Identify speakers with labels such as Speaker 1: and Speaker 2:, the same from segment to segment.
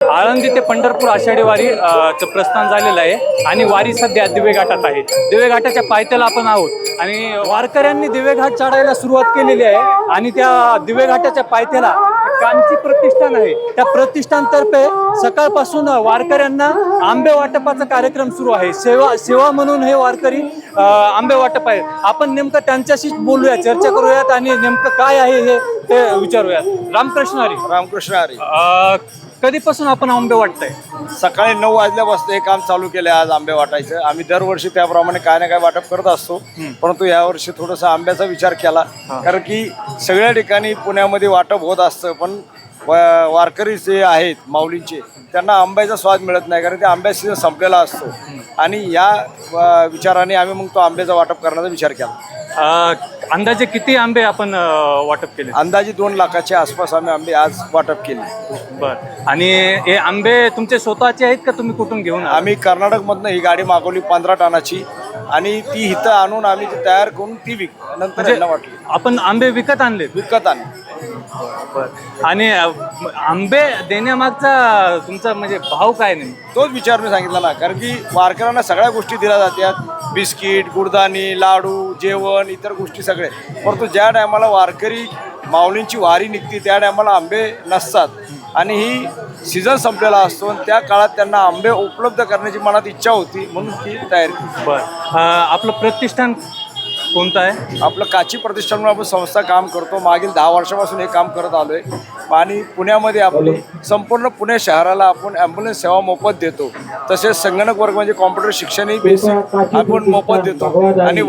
Speaker 1: आळंदी ते पंढरपूर आषाढी वारी चं प्रस्थान झालेलं आहे आणि वारी सध्या दिवे घाटात आहे. दिवे घाटाच्या पायथ्याला आपण आहोत आणि वारकऱ्यांनी दिवे घाट चढायला सुरुवात केलेली आहे आणि त्या दिवे घाटाच्या पायथ्याला कांची प्रतिष्ठान आहे. त्या प्रतिष्ठानतर्फे सकाळपासून वारकऱ्यांना आंबे वाटपाचा कार्यक्रम सुरू आहे. सेवा म्हणून हे वारकरी आंबे वाटप आहे. आपण नेमकं त्यांच्याशीच बोलूया, चर्चा करूयात आणि नेमकं काय आहे हे ते विचारूयात. रामकृष्ण हरी.
Speaker 2: रामकृष्ण हरी.
Speaker 1: कधीपासून आपण आंबे वाटताय?
Speaker 2: सकाळी 9 वाजल्यापासून हे काम चालू केलं आज आंबे वाटायचं. आम्ही दरवर्षी त्याप्रमाणे काय ना काय वाटप करत असतो, परंतु यावर्षी थोडंसं आंब्याचा विचार केला, कारण की सगळ्या ठिकाणी पुण्यामध्ये वाटप होत असतं, पण वारकरी जे आहेत माऊलींचे त्यांना आंब्याचा स्वाद मिळत नाही, कारण ते आंब्या सीझन संपलेला असतो. आणि या विचाराने आम्ही मग तो आंब्याचा वाटप करण्याचा विचार केला.
Speaker 1: अंदाजे किती आंबे आपण वाटप केले?
Speaker 2: अंदाजे 2 लाखाच्या आसपास आम्ही आंबे आज वाटप केले.
Speaker 1: बरं. आणि हे आंबे तुमचे स्वतःचे आहेत का तुम्ही कुठून घेऊन?
Speaker 2: आम्ही कर्नाटकमधनं ही गाडी मागवली 15 टनाची आणि ती इथं आणून आम्ही ती तयार करून ती नंतर यांना वाटली.
Speaker 1: आपण आंबे विकत आणले?
Speaker 2: विकत आणले.
Speaker 1: आणि आंबे देण्यामागचा तुमचा म्हणजे भाव काय नाही?
Speaker 2: तोच विचार मी सांगितला ना, कारण की वारकऱ्यांना सगळ्या गोष्टी दिल्या जातात, बिस्किट, गुडदाणी, लाडू, जेवण, इतर गोष्टी सगळे, परंतु ज्या टायमाला वारकरी माऊलींची वारी निघते त्या टायमाला आंबे नसतात आणि ही सीझन संपलेला असतो आणि त्या काळात त्यांना आंबे उपलब्ध करण्याची मनात इच्छा होती, म्हणून ती तयारी केली.
Speaker 1: बरं. आपलं प्रतिष्ठान कोणतं आहे?
Speaker 2: आपलं काची प्रतिष्ठान आपण संस्था काम करतो. मागील 10 वर्षापासून हे काम करत आलो आहे आणि पुण्यामध्ये आपली संपूर्ण पुणे शहराला आपण ॲम्ब्युलन्स सेवा मोफत देतो. तसेच संगणक वर्ग म्हणजे कॉम्प्युटर शिक्षणही बेसिक आपण मोफत देतो. आणि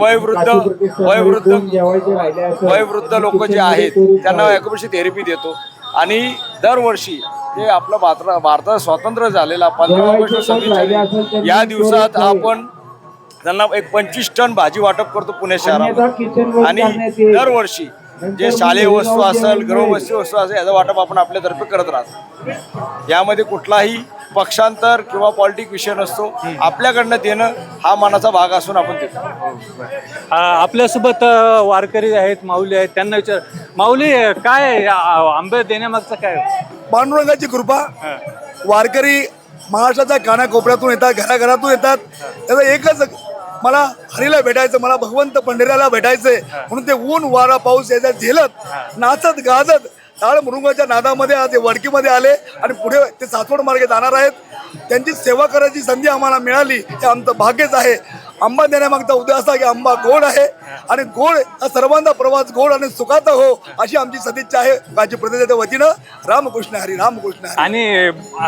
Speaker 2: वयोवृद्ध लोक जे आहेत त्यांना ॲक्युपंक्चर थेरपी देतो. आणि दरवर्षी जे आपलं भारतात स्वातंत्र्य झालेला 15 ऑगस्ट 26 या दिवसात आपण त्यांना एक 25 टन भाजी वाटप करतो पुणे शहरात. आणि दरवर्षी जे शालेय वस्तू असेल, गृहवस्तू वस्तू असेल, याचं वाटप आपण आपल्यातर्फे करत राहतो. यामध्ये कुठलाही पक्षांतर किंवा पॉलिटिक विषय नसतो. आपल्याकडनं देणं हा मनाचा भाग असून आपण देतो.
Speaker 1: आपल्यासोबत वारकरी आहेत, माऊली आहेत, त्यांना विचार. माऊली, काय आंबे देण्यामागचं काय?
Speaker 3: पांडुरंगाची कृपा. वारकरी महाराष्ट्राच्या कानाकोपऱ्यातून येतात, घराघरातून येतात. त्याचं एकच, मला हरीला भेटायचं, मला भगवंत पंढरीला भेटायचंय, म्हणून ते ऊन वारा पाऊस याचा झेलत नाचत गाजत टाळ मृंगाच्या नादामध्ये आज वडकीमध्ये आले आणि पुढे ते सासवड मार्गे जाणार आहेत. त्यांची सेवा करायची संधी आम्हाला मिळाली हे आमचं भाग्यच आहे. आंबा देण्यामागचा उद्देश असा की आंबा गोड आहे आणि गोड हा सर्वांचा प्रवास गोड आणि सुखाचा हो, अशी आमची सदिच्छा आहे. काची प्रतिनिधीच्या वतीनं रामकृष्ण हरी, रामकृष्ण हरी.
Speaker 1: आणि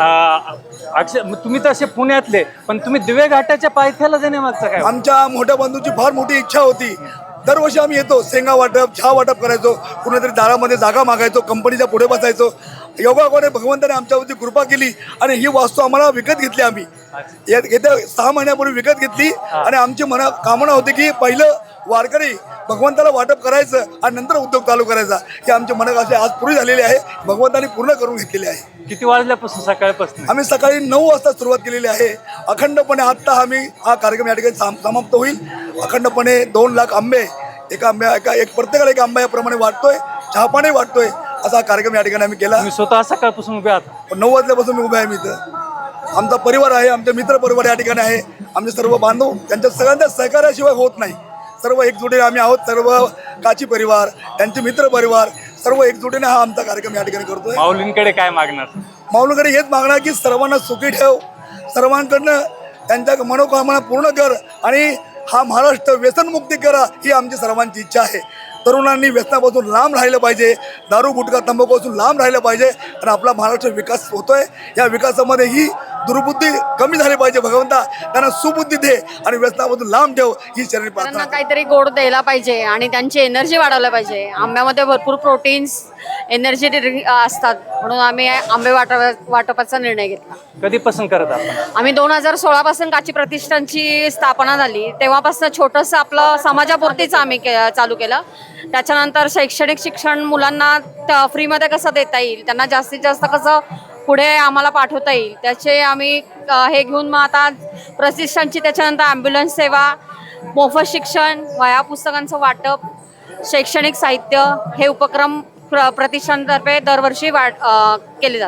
Speaker 1: तुम्ही तर असे पुण्यातले, पण तुम्ही दिवे घाटाच्या पायथ्याला देण्यामागचं काय?
Speaker 3: आमच्या मोठ्या बंधूची फार मोठी इच्छा होती. दरवर्षी आम्ही येतो, शेंगा वाटप, चहा वाटप करायचो, कुणीतरी दारामध्ये जागा मागायचो, कंपनीच्या पुढे बसायचो. योगाकडे भगवंताने आमच्यावरती कृपा केली आणि ही वास्तू आम्हाला विकत घेतली. आम्ही येत्या 6 महिन्यापूर्वी विकत घेतली आणि आमची कामना होती की पहिलं वारकरी भगवंताला वाटप करायचं आणि नंतर उद्योग चालू करायचा. ही आमची मनं अशी आज पूर्ण झालेली आहे, भगवंताने पूर्ण करून घेतलेली आहे.
Speaker 1: किती वाजल्यापासून? सकाळपासून
Speaker 3: आम्ही सकाळी 9 वाजता सुरुवात केलेली आहे. अखंडपणे आत्ता हा कार्यक्रम या ठिकाणी समाप्त होईल. अखंडपणे 2 लाख आंबे प्रत्येकाला एक आंबा याप्रमाणे वाटतोय, चहापाणी वाटतोय, असा कार्यक्रम या ठिकाणी आम्ही केला.
Speaker 1: मी स्वतः सकाळपासून उभे आहात?
Speaker 3: 9 वाजल्यापासून मी उभे आहे. मी इथं आमचा परिवार आहे, आमचे मित्र परिवार या ठिकाणी आहे, आमचे सर्व बांधव, त्यांच्या सगळ्यांच्या सहकार्याशिवाय होत नाही. सर्व एकजुटीने आम्ही आहोत. सर्व काची परिवार, त्यांचे मित्र परिवार, सर्व एकजुटीने हा आमचा कार्यक्रम या ठिकाणी करतोय.
Speaker 1: माऊलींकडे काय मागणार?
Speaker 3: माऊलींकडे हेच मागणार की सर्वांना सुखी ठेव, सर्वांकडनं त्यांच्या मनोकामना पूर्ण कर आणि हा महाराष्ट्र व्यसनमुक्ती करा, ही आमची सर्वांची इच्छा आहे. तरुणांनी व्यसनापासून लांब राहिलं पाहिजे, दारू गुटखा तंबाखूपासून लांब राहिलं पाहिजे आणि आपला महाराष्ट्र विकास होतोय. या विकासामध्ये ही दुर्बुद्धी कमी झाली पाहिजे. भगवंता त्यांना सुबुद्धी दे आणि व्यसनापासून लांब ठेव, ही शरीर प्रार्थना.
Speaker 4: काहीतरी गोड द्यायला पाहिजे आणि त्यांची एनर्जी वाढवली पाहिजे. आंब्यामध्ये भरपूर प्रोटीन्स, एनर्जी असतात, म्हणून आम्ही आंबे वाटपाचा निर्णय घेतला.
Speaker 1: कधीपासून करत आपण?
Speaker 4: आम्ही 2016 पासून काची प्रतिष्ठानची स्थापना झाली, तेव्हापासून छोटंसं आपलं समाजापुरतीच आम्ही चालू केलं. त्याच्यानंतर शैक्षणिक शिक्षण मुलांना फ्रीमध्ये कसं देता येईल, त्यांना जास्तीत जास्त कसं पुढे आम्हाला पाठवता येईल, त्याचे आम्ही हे घेऊन मग आता प्रतिष्ठानची, त्याच्यानंतर ॲम्ब्युलन्स सेवा, मोफत शिक्षण, वह्या पुस्तकांचं वाटप, शैक्षणिक साहित्य, हे उपक्रम प्रतिष्ठानतर्फे दरवर्षी केले जातात.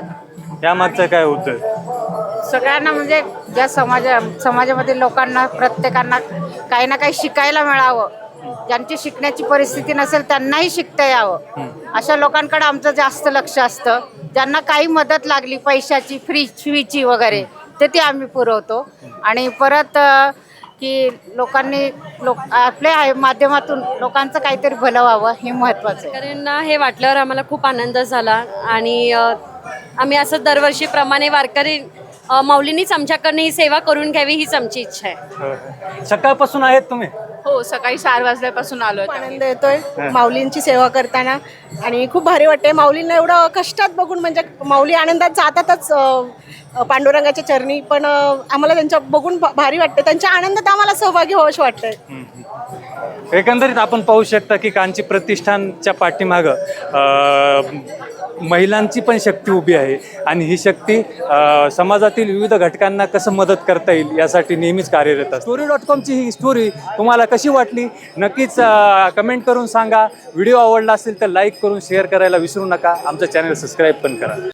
Speaker 1: यामागचं काय होतं?
Speaker 5: सगळ्यांना म्हणजे ज्या समाजामध्ये लोकांना प्रत्येकांना काही ना काही शिकायला मिळावं, ज्यांची शिकण्याची परिस्थिती नसेल त्यांनाही शिकता यावं, अशा लोकांकडे आमचं जास्त लक्ष असतं. ज्यांना काही मदत लागली पैशाची, फीची वगैरे ते आम्ही पुरवतो. आणि परत की लोकांनी आपल्या माध्यमातून लोकांचं काहीतरी भलं व्हावं हे महत्त्वाचं आहे.
Speaker 6: वारकऱ्यांना हे वाटल्यावर आम्हाला खूप आनंद झाला आणि आम्ही असं दरवर्षीप्रमाणे वारकरी माऊलींनीच आमच्याकडनं ही सेवा करून घ्यावी हीच आमची इच्छा आहे.
Speaker 1: सकाळपासून आहेत तुम्ही?
Speaker 7: हो, सकाळी 4 वाजल्यापासून आलोय.
Speaker 8: आनंद येतोय माऊलींची सेवा करताना आणि खूप भारी वाटते. माऊलींना एवढं कष्टात बघून, म्हणजे माऊली आनंदात जातातच पांडुरंगाच्या चरणी, पण आम्हाला त्यांच्या बघून भारी वाटते. त्यांच्या आनंदात आम्हाला सहभागी व्हावंच वाटतंय.
Speaker 1: एकंदरीत आपण पाहू शकता की कांची प्रतिष्ठानच्या पाठीमागं महिलांची पण शक्ती उभी आहे आणि ही शक्ती समाजातील विविध घटकांना कसं मदत करता येईल यासाठी नेहमीच कार्यरत असते. story.com ची ही स्टोरी तुम्हाला कशी वाटली नक्कीच कमेंट करून सांगा. व्हिडिओ आवडला असेल तर लाईक करून शेअर करायला विसरू नका. आमचं चॅनल सबस्क्राईब पण करा.